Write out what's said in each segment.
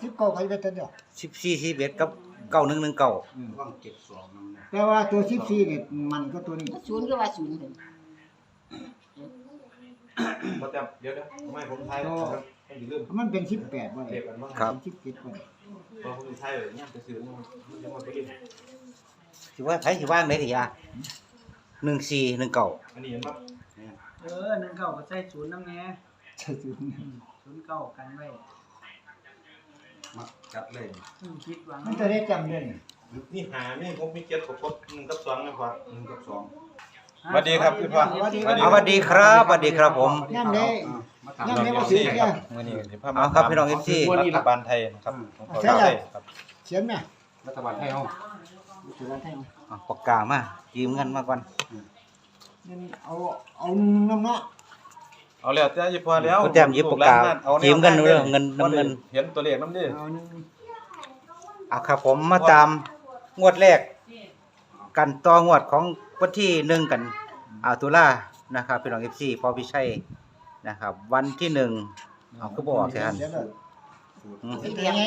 19ใครไปตัวเดียว 14 11กับ9119 ว่างเก็บ2นำนะแต่ว่าตัว14นี่มันก็ตัวนี้ศูนย์ก็ว่าศูนย์เถอะบ่แต่เดี๋ยวไม่ผมทายครับให้ลืมมันเป็น18บ่เก็ได้บกันว่าครับ 17บ่ได้พอผมทายแบบนี้จะซื้อมันยังบ่ไปลืมสิว่าไผสิว่างได้ติยา1419 อันนี้เห็นป่ะ 19ก็ใส่ศูนย์นำแน่ใช่สิ 09กันไว้มักจัดเลยคิดหวังมันจะได้จำได้นี่นี่หานี่ผมมี7กับ1กับ2นะครับ1กับ2 สวัสดีครับพี่พ่อสวัสดีครับสวัสดีครับผมย่ำได้มาถามย่ำได้บ่ซื้อเสียมื้อนี้สิพาเอาครับพี่น้อง FC รัฐบาลไทยนะครับของเขาไทยครับเขียนแม่รัฐบาลไทยเฮาเขียนให้เอาปากกามายืมเงินมาก่อนนี่เอาน้ำเนาะเอาแล้วแต่อีพอแล้วผู้แต้มหยิบปากกายืมเงินเด้อเงินน้ำเงินเห็นตัวเลขนำดิเอานึงเอาครับผมมาตามงวดแรก กันต่องวดของวันที่1กันตุลานะครับพี่น้อง FC พอพิชัยนะครับ วันที่1เอาคือบ่ออกแทนเขียนเลยเป็นเป็เดียน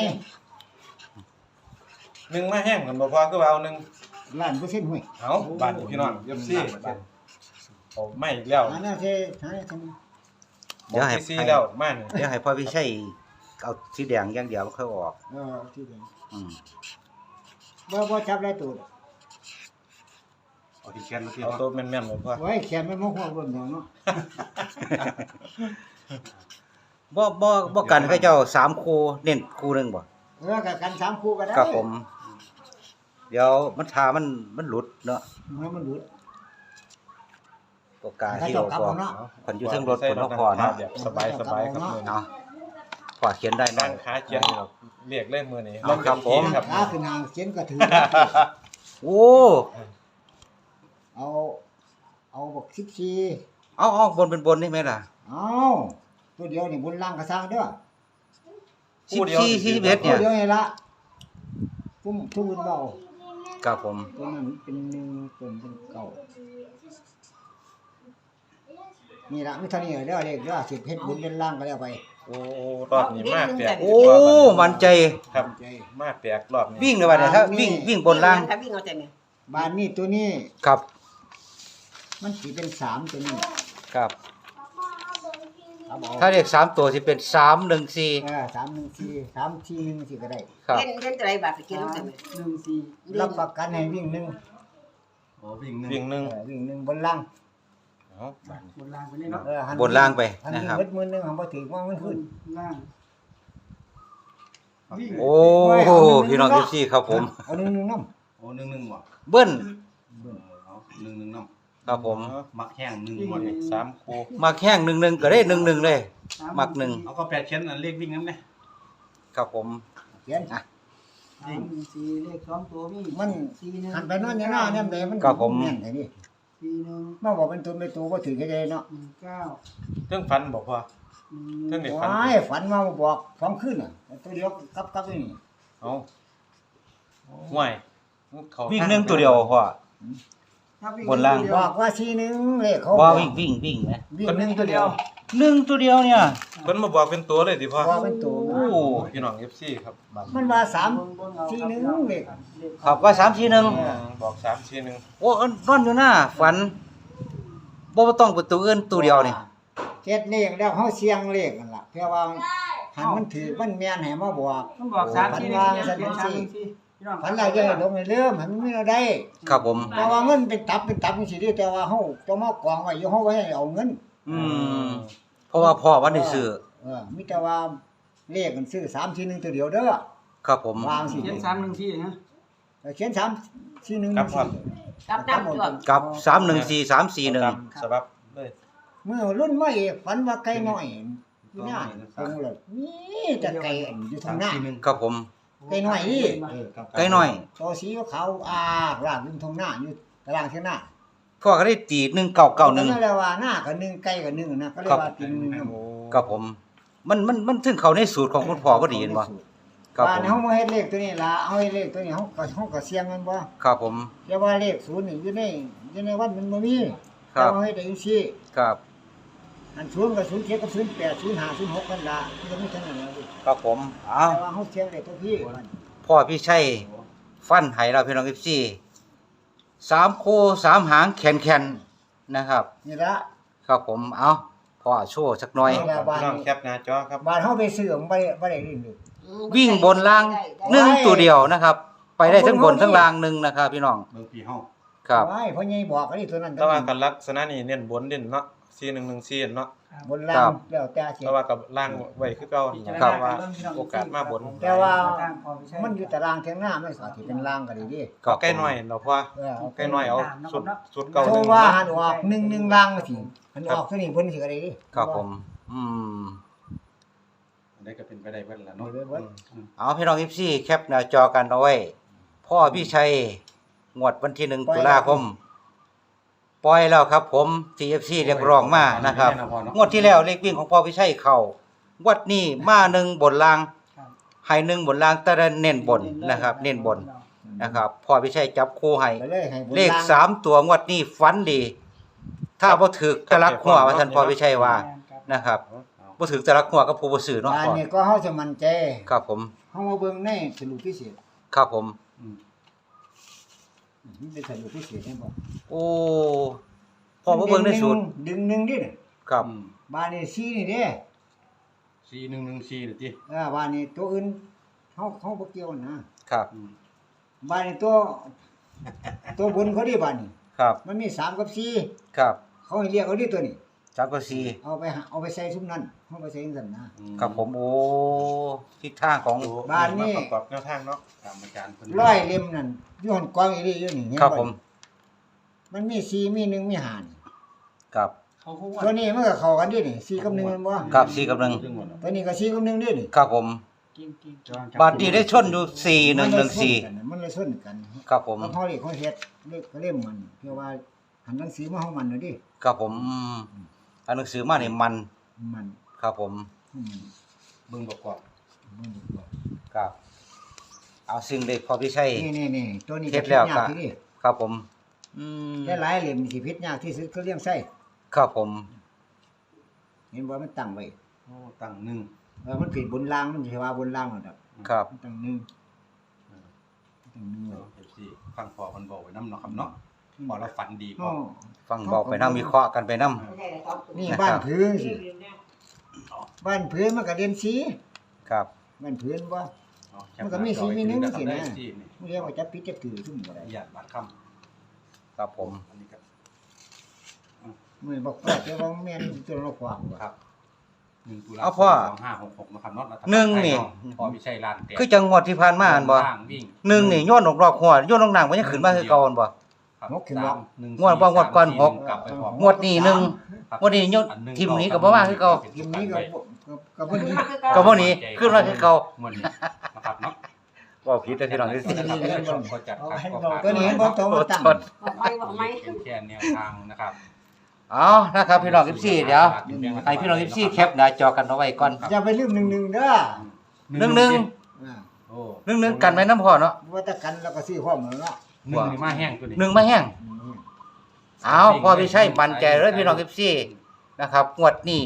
วไงหนึ่งมาแห้งกันบ่พอคือว่าเอาหนึ่งล้านเปอร์เซ็นต์ห่วยเอาบ้านพี่น้องFC เอาไม่อีกแล้วอันนั้นเท่ใช่ทำเดี๋ยวให้ที่4แล้วมานี่เดี๋ยวให้พ่อพิชัยเอาสีแดงอย่างเดียวค่อยออกที่เดียวอืมบ่จับได้ตัวเอาที่เขียนมาที่เอาตัวแม่นๆบ่พอไว้เขียนมันมาหัวบนเนาะบ่กันเขาเจ้า3คู่เน้นคู่หนึงบ่กับกัน3คู่ก็ได้ครับผม เดี๋ยวมันทามันหลุดเนาะมันหลุดปากกาที่เราพอคนอยู่เทิงรถคนบ่พอเนาะแบบสบายๆครับมื้อนี้เนาะพอเขียนได้นั่เนาะงขาเขียนนี่หรอกเรียกเล่นมื้อนี้เอาครับผมครับขาขึ้นหางเขียนก็ถือโอ้เอาบอก14 เอาบนเป็นบนนี่ไหมล่ะเอาตัวเดียวนี่บนล่างกระซังเด้อ 14 41 ตัเนี่วย เดียวนี่ละทุ่มเบาครับผมตัวนั้นเป็น1ตัวเป็นเก่านี่ละมีเท่านี้เด้อเลขเด้อสิเฮ็ดบุญเป็นล่างก็แล้วไปโอ้รอบนี้มากแปลกโอ้มันใจครับมากแปลกรอบนี้วิ่งเลยว่าเนี่ยถ้าวิ่งบนล่างถ้าวิ่งเอาแต่เนี่ยบ้านนี้ตัวนี้ครับมันสิเป็น3ตัวนี้ครับเอาถ้าเลข3ตัวสิเป็น314 314 341สิก็ได้ครับเล่นตัวใดบาทไปเกี่ยวกันเนี่ย 14 รับประกันให้วิ่งหนึ่งโอ้วิ่งหนึ่งวิ่งหนึ่งบนล่างเอาบ้านบนล่างไปเลยเนาะหับนล่างไปหันนะครับเบิดมือหนึงหันบ่ถึงว่ามันขึ้นล่างวิ่งโอ้พี่น้อง FC ครับผมเอาหนึ่งน้โอ้หนึ่งว่ะเบิ้ลเอาหนึ่งน้ำครับผมมักแห้งหนึ่งหมดนี่3คู่มักแห้ง1-1ก็ได้1-1เลย มักหนึ่งเอาก็แปดเขียนอันเลขวิ่งนำแน่ครับผมำเขียน 314เลข2ตัวมีมัน 41 หันไปโนอนอย่างน้าเนี่ยแต่มันครับผมแม่นไอ้นี่ 41 มาบอกเป็นตัวเป็นตัวบ่ถือแค่ใดเนาะ 19 เรื่องฟันบอกว่าเรื่องเด็กฟันว้ายฝันมาบอก2คืนน่ะตัวเดียวกับนี่เอาห่วยเขาวิ่ง1ตัวเดียวพ่อ บนล่างบอกว่า41เลขเขาบ่วิ่งไหมวิ่งหนึ่งตัวเดียว 1ตัวเดียวเนี่ยเพิ่นมาบอกเป็นตัวเลยดิพ่อบอกเป็นตัวโอ้พี่น้อง FC ครับบ้านมันว่า341เลขครับว่า341 บอก341 โอ้นอนอยู่หน้าฝันบ่ต้องประตูอื่นตัวเดียวนี่เจ็ดเลขแล้วเฮาเสียงเลขนั่นล่ะเพื่อว่าหันมันถือมันแม่นให้มาบอกมันบอก3 4 1 3 4พี่น้องฝันแล้วจะให้ลงในเรื่องมันไม่เอาได้ครับผมแต่ว่าเงินเป็นตับจังซี่เด้อแต่ว่าเฮาต้องมากองไว้อยู่เฮาไว้ให้เอาเงินอืมเพราะว่าพ่อวันได้ซื้อมีแต่ว่าเลขมันซื้อ3 4 1ตัวเดียวเด้อครับผมวางสิเขียน314นะเขียน3 4 1 ครับครับกับน้ำตัวกับ314 341 สบับเลยเมื่อรุ่นมาเอกฝันว่าไก่น้อยอยู่หน้าคงเลยนี่แต่ไก่อันอยู่ทางหน้าครับผมไก่น้อยนี่ไกลหน่อยโซสีขาวรากอยู่ทางหน้าอยู่ตารางเท่าหน้าพ่อก็ได้ตีนั่น 1991 แหละว่าหน้าก็1ไก่ก็1นะก็เรียกว่ากิน1 ครับผม มันถึงเขาในสูตรของคุณพ่อพอดีเห็นบ่ครับบ้าผนมเฮาบ่เฮ็ดเลขตัวนี้ล่ะเอาเฮ็ดเลขตัวนี้เฮาก็เสี่ยงมันบ่ครับผมแต่ว่าเลข0นี่อยู่ในวัดมันบ่มีครับเอาเฮ็ดได้จังซี่ครับอันศูนย์กับ07กับ08 05 06กันละที่มีเท่านั้นแหละดิครับผมเอาแต่ว่าเฮาเสียงได้ตัวพี่มันพ่อพี่ชัยฟันให้เราพี่น้องFC 3คู่3หางแขนๆนะครับนี่ละครับผมเอาพ่อโชว์สักหน่อยพี่น้องแคปหน้าจอครับบ้านเฮาไปซื้อมันบ่ได้ลิ้นเลยวิ่งบนล่าง1ตัวเดียวนะครับ ไปได้ทั้งบนทั้งล่างหนึ่งนะครับพี่น้องเบิ่งพี่เฮาครับว้ายพ่อใหญ่บอกอันนี้ตัวนั้นแต่ว่ากันลักษณะนี้เน้นบนเด่นเนาะ4114เนาะบนล่างแล้วแต่สิแต่ว่ากับล่างไว้คือเก่าครับว่าโอกาสมาบนแต่ว่ามันอยู่ตารางเทียงหน้ามันสาธิตเป็นล่างก็ดีดิก็ใกล้หน่อยเนาะพ่อเออใกล้หน่อยเอาสุดเก่าโทรว่าหันออก1ล่างมาสิหันออกตัวนี้เพิ่นสิก็ได้ดิครับผมอืมอันนี้ก็เป็นไปได้เบิดแล้วเนาะเนาะเอาพี่น้องFC แคปหน้าจอกันเอาไว้พ่อพี่ชัยงวดวันที่1ตุลาคมปล่อยแล้วครับผม TFC เรียกร้องมานะครับงวดที่แล้วเลขวิ่งของพ่อพี่ชัยเข้างวดนี้มา1บนล่างให้1บนล่างแต่เน้นบนนะครับ เน้นบนนะครับพ่อพี่ชัยจับคู่ให้ไปเลยให้บนเลข3ตัวงวดนี้ฝันดี ถ้าบ่ถูกตะลักหัวว่าท่านพ่อพี่ชัยว่านะครับบ่ถูกตะลักหัวกับผู้บ่ซื้อเนาะอันพ่อนี้ก็เฮาจะมั่นใจครับผมเฮามาเบิ่งในสรุปพิเศษครับผมมันเป็นสรุปพิเศษให้บ่โอ้พ่อบ่เบิ่งในสูตรดึงหนึ่งดิเนี่ยครับบ้านนี้4นี่เด้ 4114นี่ติบ้านนี้ตัวอื่นเขาบ่เกี่ยวนะครับ บ้านนี้ตัวบนเขาดิบ้านนี้ครับมันมี3กับ4 ครับเขาให้เรียกเอาดิตัวนี้จักก็สี่เอาไปใส่ซุมนั้นเฮาไปใส่จังซั่นนะครับผมโอ้ทิศทางของบ้านนี้ประกอบแนวทางเนาะตามอาจารย์เพิ่นร้อยเล่มนั่นอยู่หั่นกองอีหลีอยู่นี่เห็นครับผมมันมี4มี1มี5นี่ครับเขาคงว่าตัวนี้มันก็เข้ากันดินี่4กับ1แม่นบ่ครับสี่กับหนึ่งตัวนี้ก็4กับ1ดินี่ครับผมกินบาทนี้ได้ชนอยู่4114 มันเลยส้นกันครับผมแล้วพอเรียกเขาเฮ็ดเลขก็เล่มมันเพื่อว่าหันหนังสือมาเฮามันน่ะดิครับผมอันหนังสือมานี่มันมันครับผมเบิ่งประกอบมันดีกว่าครับเอาซึ่งเลขพอพี่ชัยนี่ตัวนี้เฮ็ดแล้วยากก็ที่นี่ครับผมอืมหลายๆเล่มสิพิษยากที่สุดคือเลี้ยงไส้ครับผมเห็นบ่มันตั้งไว้โอ้ตั้งหนึ่งมันผิดบนล่างมันสิว่าบนล่างนั่นดอกครับมันตั้งหนึ่งตั้งหนึ่งไว้เอฟซีฟังพ่อเพิ่นบอกไว้นำเนาะครับเนาะพอเราฝันดีพออ้อฟังบอกไปนำวิเคราะห์กันไปนำนี่นะครับบ้านพื้นสิบ้านพื้นมันก็เด่นสีครับบ้านพื้นบ่เอาแคปมันก็มีสีมีหนึ่งสินะได้สีนี่มันเรียกว่าจับผิดจับถือซุ่มบ่ได้ญาติบาดคำครับผมอันนี้ครับมื้อบอกว่าแต่ว่าแม่นตัวเราขวางบ่ครับ1ตุลาเอาพ่อ 2566นะครับเนาะรัฐบาลหนึ่งนี่ไทยเาะพ่อวิชัยลานแตกคือจังหวัดที่ผ่านมาอันบ่ล่างวิ่งหนึ่งนี่โยนออกรอกหัวโยนลงน้ำมันยังขึ้นมาคือเก่าอันบ่ครับหกขึ้นบ่หนึ่งวดบ่งวดก่อนหกกลับไปพร้อมงวดนี้หนึ่งครับงวดนี้โยนอัหงทีมนี้ก็บ่มาคือเก่าทีมนี้ก็บ่นี้ก็บ่หนีขึ้นมาคือเก่างวดนี้นะครับเนาะว่าผิดแต่พี่น้องที่สินะครับท่านผู้ชมก็จัดครับก็ฝากตัวนี้เห็นบ่ตัวมาตั้งบอกไหมเป็นแค่แนวทางนะครับเอานะครับพี่น้อง14เดี๋ยวให้พี่น้อง14แคปหน้าจอกันเอาไว้ก่อนอย่าไปลืม1-1เด้อ 1 อ่าโอ้ 1 1กันไว้น้ำพ่อเนาะว่าแต่กันแล้วก็ซื้อพร้อมแล้วเนาะหนึ่งนี่มาแห้งตัวนี้ 1มาแห้งเอาพ่อพี่ชัยมั่นใจเลยพี่น้อง14นะครับงวดนี้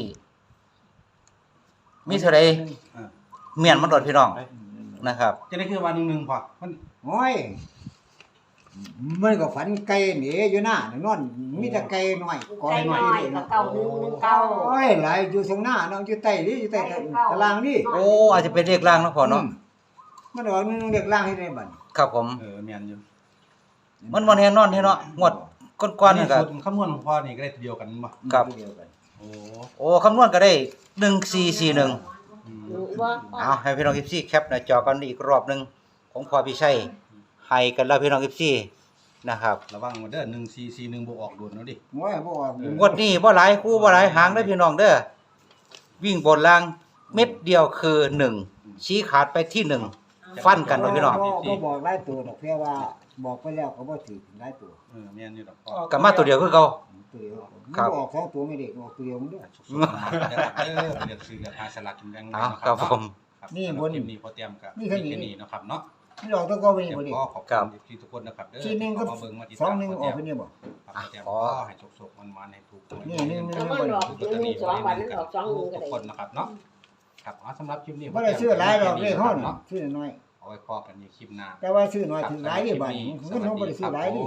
มีเท่าใดเมียนมันโดดพี่น้องนะครับจะได้คือวันหนึ่งพอมันโอ้ยมันก็ฝันไก่หนีอยู่หน้านอนมีแต่ไก่น้อยใจหน่อยกับเก่าหนึ่งเก่าโอ้ยหลายอยู่ตรงหน้าเนาะอยู่ใต้นี่อยู่ใต้ตารางนี่โอ้อาจจะเป็นเลขล่างเนาะพ่อเนาะมันออกนึงเด็กล่างให้ได้บัดครับผมแม่นอยู่มันบ่แน่นอนเนาะงวดก่อนๆนี่ก็สูตรคำนวณของพ่อนี่ก็ได้เดียวกันบ่ครับเดียวกันโอ้โอ้คำนวณก็ได้1441 ว่าเอาให้พี่น้อง14แคปหน้าจอกันอีกรอบหนึงของพ่อพี่ชัยให้กันแล้วพี่น้อง14นะครับระวังมาเด้อ1441บ่ออกโดนเนาะดิโอ้ยบ่ออกงวดนี้บ่หลายคู่บ่หลายหางเด้อพี่น้องเด้อวิ่งบนล่างเม็ดเดียวคือ1ชี้ขาดไปที่1ฟันกันเด้อพี่น้องบ่บอกหลายตัวดอกเพียงว่าบอกไปแล้วก็บ่ถือหลายตัวแม่นอยู่ดอกพ่อก็มาตัวเดียวคือเก่าตัวเดียวครับออกสองตัวไม่ได้ออกตัวเดียวมันด้วยสุดๆมาเด้อเลือกซื้อเลือกหาสลากกินแบ่งเอาครับผมนี่บนคลิปนี้พอเตรียมกับนี่แค่นี้นี่เนาะครับเนาะนี่ออกตัวก็ไปนี่บ่ดิก็ขอบคุณที่ทุกคนนะครับเด้อทีนึงก็มาเบิ่งมาติดสอตาง มหนึงออกไปนี่บ่ครับแต่ก็ให้โชคๆมันๆให้ถูกนี่หนึ่งแล้วมันออก1 2วันนั้นออก2 1ก็ทุกได้คนนะครับเนาะครับสำหรับคลิปนี้บ่ได้ซื้อหลายดอกเลขเฮานี่ซื้อน้อยเอาไว้พอกันในคลิปหน้าแต่ว่าซื้อน้อยถึงหลายนี่บัดนี้เงินเฮาบ่ได้ซื้อหลายนี่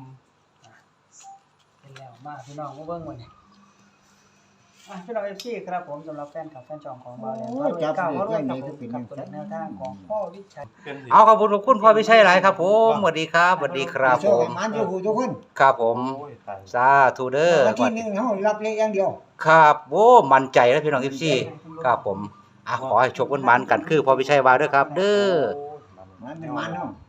เป็นแล้วมาพี่น้องมาเบิ่งวันนี้พี่น้อง FC ครับผมสำหรับแฟนคลับแฟนจองของเราแล้วก็เก่าว่าด้วยครับผมกับตัวแนวทางของพ่อวิชัยเอาขอบคุณพ่อพิชัยหลายครับผมสวัสดีครับสวัสดีครับโชผคมให้มันทุกผู้ทุกคนครับผมโอ้ยตายสาธุเด้อวันที่หนึ่งเฮารับเลขอย่างเดียวครับโอ้มั่นใจแล้วพี่น้อง FC ครับผมขอให้โชคมันๆกันคือพ่อพิชัยว่าเด้อครับ เด้อมันเป็นมันเนาะ